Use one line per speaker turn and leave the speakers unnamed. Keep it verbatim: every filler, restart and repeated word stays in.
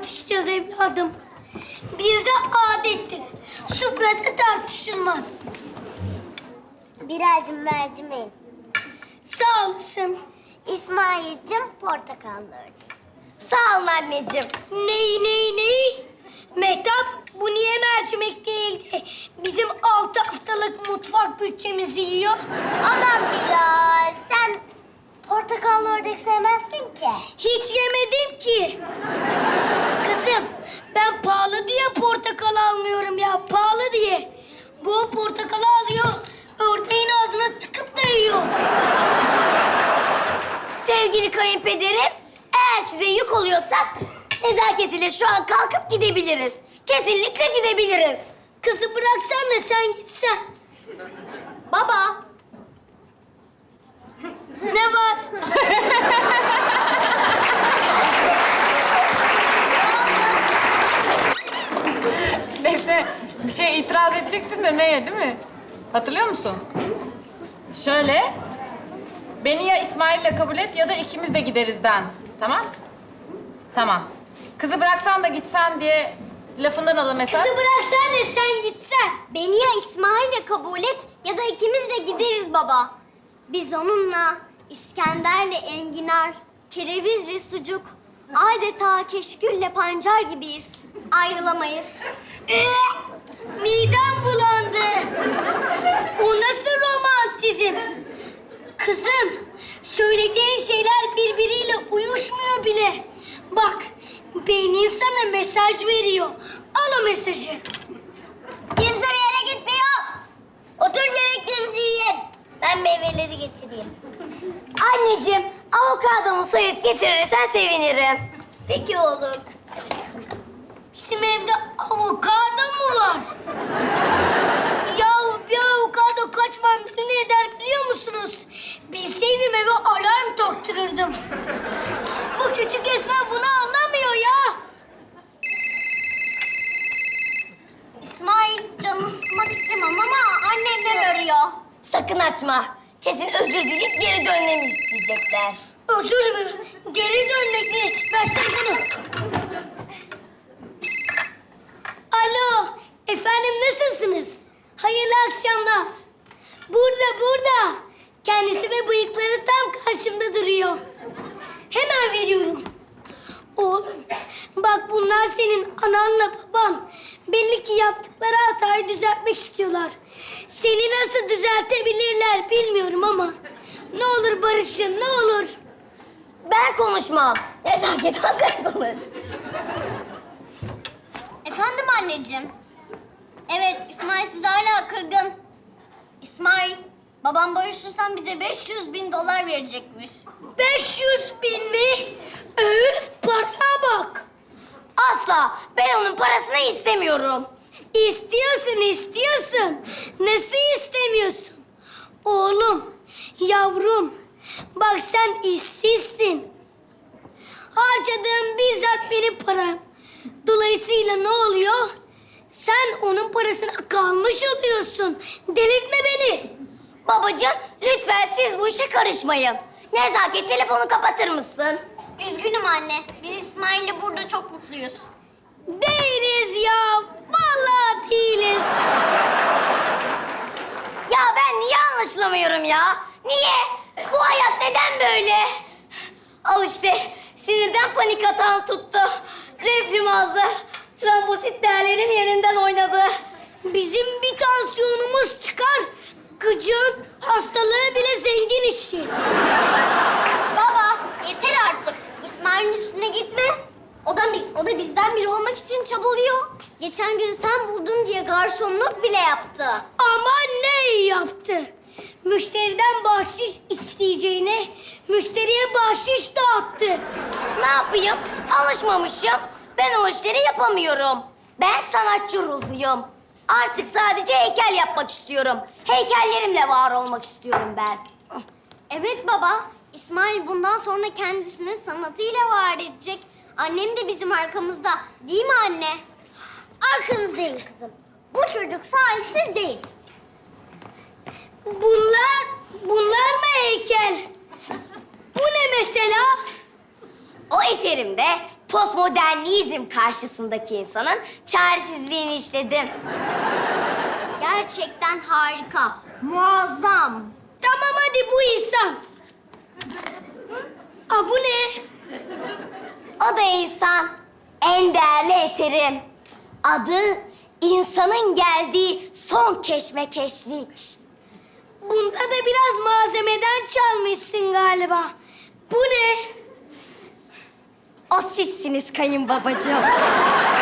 tartışacağız evladım. Bizde adettir. Sufrada tartışılmaz.
Bilal'cim mercimeğim.
Sağ olasın.
İsmail'cim portakallı ördeğim. Sağ olun anneciğim.
Ney ney ney? Mehtap, bu niye mercimek değil de bizim altı haftalık mutfak bütçemizi yiyor?
Aman Bilal, sen portakallı ördek sevmezsin ki.
Hiç yemedim ki. Kızım, ben pahalı diye portakal almıyorum ya, pahalı diye. Bu portakalı alıyor, ördeğin ağzına tıkıp da yiyor.
Sevgili kayınpederim, eğer size yük oluyorsak nezaketiyle şu an kalkıp gidebiliriz. Kesinlikle gidebiliriz.
Kızı bıraksan da sen gitsen.
Baba.
Ne var?
Defne, bir şey itiraz edecektin de neye değil mi? Hatırlıyor musun? Şöyle, beni ya İsmail'le kabul et ya da ikimiz de giderizden. Tamam? Tamam. Kızı bıraksan da gitsen diye lafından alın mesaj.
Kızı bıraksan da sen gitsen.
Beni ya İsmail'le kabul et ya da ikimiz de gideriz baba. Biz onunla İskender'le enginar, kerevizle sucuk, adeta keşkülle pancar gibiyiz. Ayrılamayız.
Ee, midem bulandı. O nasıl romantizm? Kızım, söylediğin şeyler birbiriyle uyuşmuyor bile. Bak, beynin sana mesaj veriyor. Al o mesajı.
Kimse bir yere gitmiyor. Oturun yemeklerinizi yiyin. Ben meyveleri getireyim. Anneciğim, avokadomu soyup getirirsen sevinirim. Peki oğlum.
Bizim evde avokado mu var? Yahu bir avokado kaç mandalina eder biliyor musunuz? Bilseydim eve alarm taktırırdım. Bu küçük esnaf bunu anlamıyor ya.
İsmail, canını sıkmak istemem ama annemler arıyor. Sakın açma. Kesin özür dileyip geri dönmemi isteyecekler.
Özür mü? Geri dönmek mi? Versene şunu. Alo, efendim nasılsınız? Hayırlı akşamlar. Burada, burada. Kendisi ve bıyıkları tam karşımda duruyor. Hemen veriyorum. Oğlum, bak bunlar senin ananla baban. Belli ki yaptıkları hatayı düzeltmek istiyorlar. Seni nasıl düzeltebilirler bilmiyorum ama... ne olur barışın, ne olur.
Ben konuşmam. Nezaket sen konuş. Efendim anneciğim. Evet, İsmail size hala kırgın. İsmail, babam barışırsan bize beş yüz bin dolar verecekmiş.
beş yüz bin mi? Öf, paraya bak.
Asla. Ben onun parasını istemiyorum.
İstiyorsun, istiyorsun. Nasıl istemiyorsun? Oğlum, yavrum, bak sen işsizsin. Harcadığın bizzat benim param. Dolayısıyla ne oluyor? Sen onun parasına kalmış oluyorsun. Delirtme beni.
Babacığım, lütfen siz bu işe karışmayın. Nezaket, telefonu kapatır mısın? Üzgünüm anne. Biz İsmail'le burada çok mutluyuz.
Değiliz ya. Vallahi değiliz.
Ya ben niye anlaşılamıyorum ya? Niye? Bu hayat neden böyle? Al işte, sinirden panik atağım tuttu. Reflüm azdı. Trombosit değerlerim yerinden oynadı.
Bizim bir tansiyonumuz çıkar. Gıcığın hastalığı bile zengin işi.
Baba, yeter artık. İsmail'in üstüne gitme. O da, o da bizden biri olmak için çabalıyor. Geçen gün sen buldun diye garsonluk bile yaptı.
Ama ne iyi yaptı? Müşteriden bahşiş isteyeceğine müşteriye bahşiş dağıttı.
Ne yapayım? Alışmamışım. Ben o işleri yapamıyorum. Ben sanatçı ruhluyum. Artık sadece heykel yapmak istiyorum. Heykellerimle var olmak istiyorum ben. Evet baba. İsmail bundan sonra kendisini sanatıyla var edecek. Annem de bizim arkamızda. Değil mi anne? Arkanızdayım kızım. Bu çocuk sahipsiz değil.
Bunlar, bunlar mı heykel? Bu ne mesela?
O eserimde postmodernizm karşısındaki insanın çaresizliğini işledim. Gerçekten harika, muazzam.
Tamam hadi bu insan. Aa bu ne?
O da insan, en değerli eserim. Adı insanın geldiği son keşmekeşlik.
Bunda da biraz malzemeden çalmışsın galiba. Bu ne?
O sizsiniz kayınbabacığım.